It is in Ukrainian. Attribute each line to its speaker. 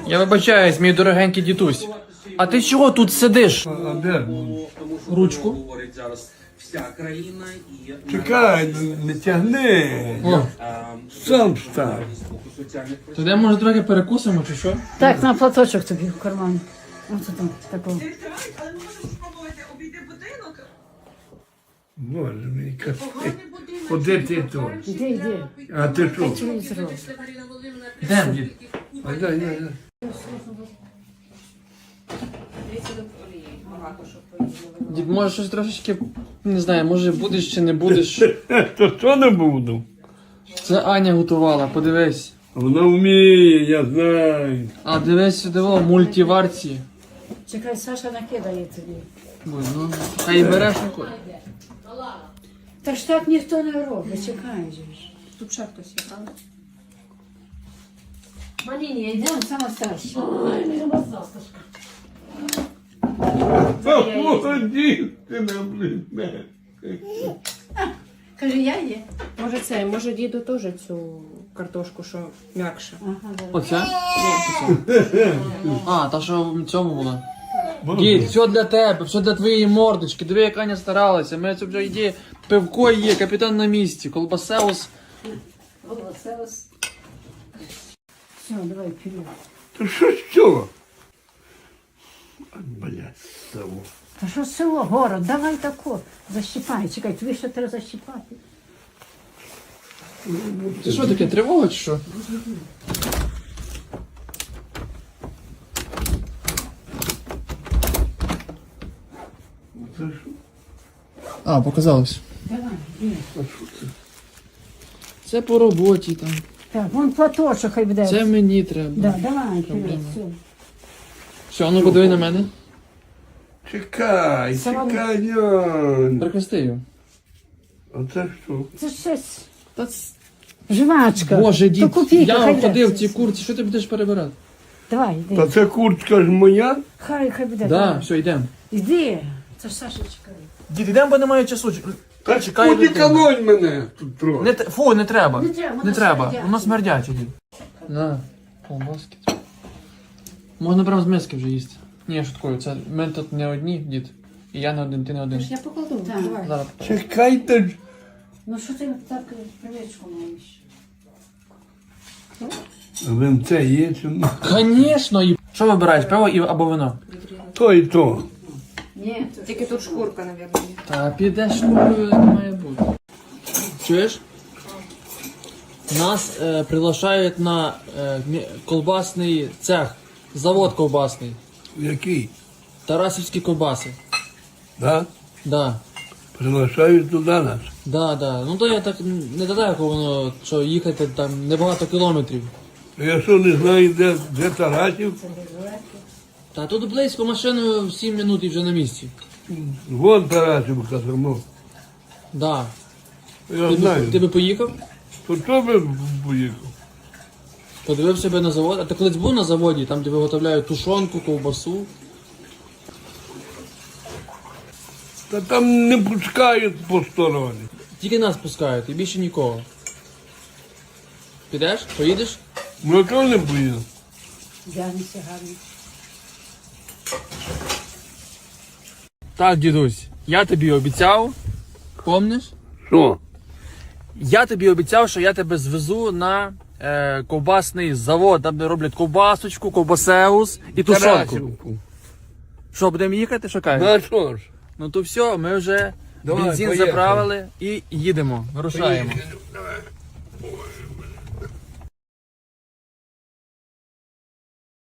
Speaker 1: Я вибачаюсь, мій дорогенький дідусь. А ти чого тут сидиш?
Speaker 2: А де?
Speaker 1: Ручку.
Speaker 2: Чекай, не тягни.
Speaker 1: О,
Speaker 2: Сам став.
Speaker 1: то де, може, трохи перекусимо чи що?
Speaker 3: Так, на платочок тобі в кармані. Ось там, такого.
Speaker 4: Але можеш спробувати обійти будинок.
Speaker 2: Боже мій, капець. Куди ти тут?
Speaker 3: Іди.
Speaker 2: А ти що?
Speaker 3: Телевізор.
Speaker 1: Йдем, дід.
Speaker 2: А дай.
Speaker 1: Дід, може щось трошечки, не знаю, може будеш чи не будеш.
Speaker 2: То що не буду?
Speaker 1: Це Аня готувала, подивись.
Speaker 2: Вона вміє, я знаю.
Speaker 1: А дивись сюди, о, мультиварці.
Speaker 3: Чекай, Саша накидає тобі.
Speaker 1: Ой, ну, хай береш.
Speaker 3: Та ж так ніхто не робить, чекай же ж.
Speaker 5: Тут ще хтось є, правда?
Speaker 3: Маліні, йдемо, сама старша.
Speaker 2: Молоді, ти не близьме.
Speaker 3: Каже, я є.
Speaker 5: Може діду теж цю картошку, що м'якша.
Speaker 3: Ага, да.
Speaker 1: Оце? А, та що в цьому була? Дід, все для тебе, все для твоєї мордочки. Диви, як Аня старалася. Ми це вже йде, пивко є, капітан на місці, колбасеус.
Speaker 3: Все, давай, вперед.
Speaker 2: То що з цього? Блядь, село.
Speaker 3: Та що село, город, давай тако. Защіпай, чекай, тобі ще треба защіпати.
Speaker 1: Це що таке, тривога чи що?
Speaker 2: Це що?
Speaker 1: А, показалось.
Speaker 3: Давай, іди.
Speaker 1: Це по роботі там.
Speaker 3: Так, вон платочок хай буде.
Speaker 1: Це мені треба.
Speaker 3: Да, давай, вперед, все.
Speaker 1: Все, ну подиви на мене.
Speaker 2: Чекай,
Speaker 3: Салам.
Speaker 2: чекай, Ян.
Speaker 1: Прихрести його.
Speaker 2: А це що?
Speaker 3: Це щось.
Speaker 1: Та
Speaker 3: Жвачка.
Speaker 1: Боже,
Speaker 3: То
Speaker 1: дід,
Speaker 3: копійка,
Speaker 1: я
Speaker 3: хай
Speaker 1: ходив в
Speaker 3: буде.
Speaker 1: цій курці, що ти будеш перебирати?
Speaker 3: Давай,
Speaker 2: Та
Speaker 3: йди.
Speaker 2: це куртка ж моя?
Speaker 3: Хай буде.
Speaker 1: Да,
Speaker 3: давай.
Speaker 1: все, йдемо.
Speaker 3: Іди. Це ж Саша чекає.
Speaker 1: Дід, йдемо, бо немає часу.
Speaker 2: Та
Speaker 1: чекай,
Speaker 2: куди
Speaker 1: дитина.
Speaker 2: колонь мене тут трохи.
Speaker 1: Не, фу, не треба.
Speaker 3: Не треба, воно
Speaker 1: Не треба.
Speaker 3: смердяче.
Speaker 1: Воно смердяче, дід. На, колбаски. Можна прямо з миски вже їсти. Ні, я шуткую, це ми тут не одні, дід. І я не один, ти не один.
Speaker 5: Я покладу,
Speaker 3: Так.
Speaker 5: давай.
Speaker 1: Зараз.
Speaker 2: Чекайте ж.
Speaker 3: Ну що ти так привичку маєш?
Speaker 2: Винце є чи ні?
Speaker 1: Звісно, і... Що вибираєш, пиво або вино?
Speaker 2: То і то.
Speaker 3: Ні,
Speaker 5: Тільки тут шкурка, мабуть, є.
Speaker 1: Та підеш шкурою, не має бути. Чуєш? Нас приглашають на колбасний цех, завод колбасний.
Speaker 2: Який?
Speaker 1: Тарасівські колбаси.
Speaker 2: Да?
Speaker 1: Да.
Speaker 2: Приглашають туди нас.
Speaker 1: Да. Ну то я так не далеко воно, що їхати там небагато кілометрів.
Speaker 2: Я що не знаю, де Тарасів?
Speaker 1: Та тут близько машиною 7 минут і вже на місці.
Speaker 2: Вон Тарасівка само.
Speaker 1: Да.
Speaker 2: Я знаю.
Speaker 1: Ти би поїхав?
Speaker 2: То що би поїхав?
Speaker 1: Подивив себе на завод. А ти колись був на заводі, там де виготовляють тушонку, ковбасу.
Speaker 2: Та там не пускають посторонні.
Speaker 1: Тільки нас пускають і більше нікого. Підеш? Поїдеш?
Speaker 2: Ну чого не поїду?
Speaker 3: Дянися гарно.
Speaker 1: Так, дідусь, я тобі обіцяв, помниш?
Speaker 2: Що?
Speaker 1: Я тобі обіцяв, що я тебе звезу на ковбасний завод, там де роблять ковбасочку, ковбасеус і тушонку.
Speaker 2: Тарасівку.
Speaker 1: Що, будемо їхати, що кажеш?
Speaker 2: Ну а що ж?
Speaker 1: Ну то все, ми вже
Speaker 2: Давай,
Speaker 1: бензин
Speaker 2: поїхали.
Speaker 1: заправили і їдемо, вирушаємо.
Speaker 2: Давай.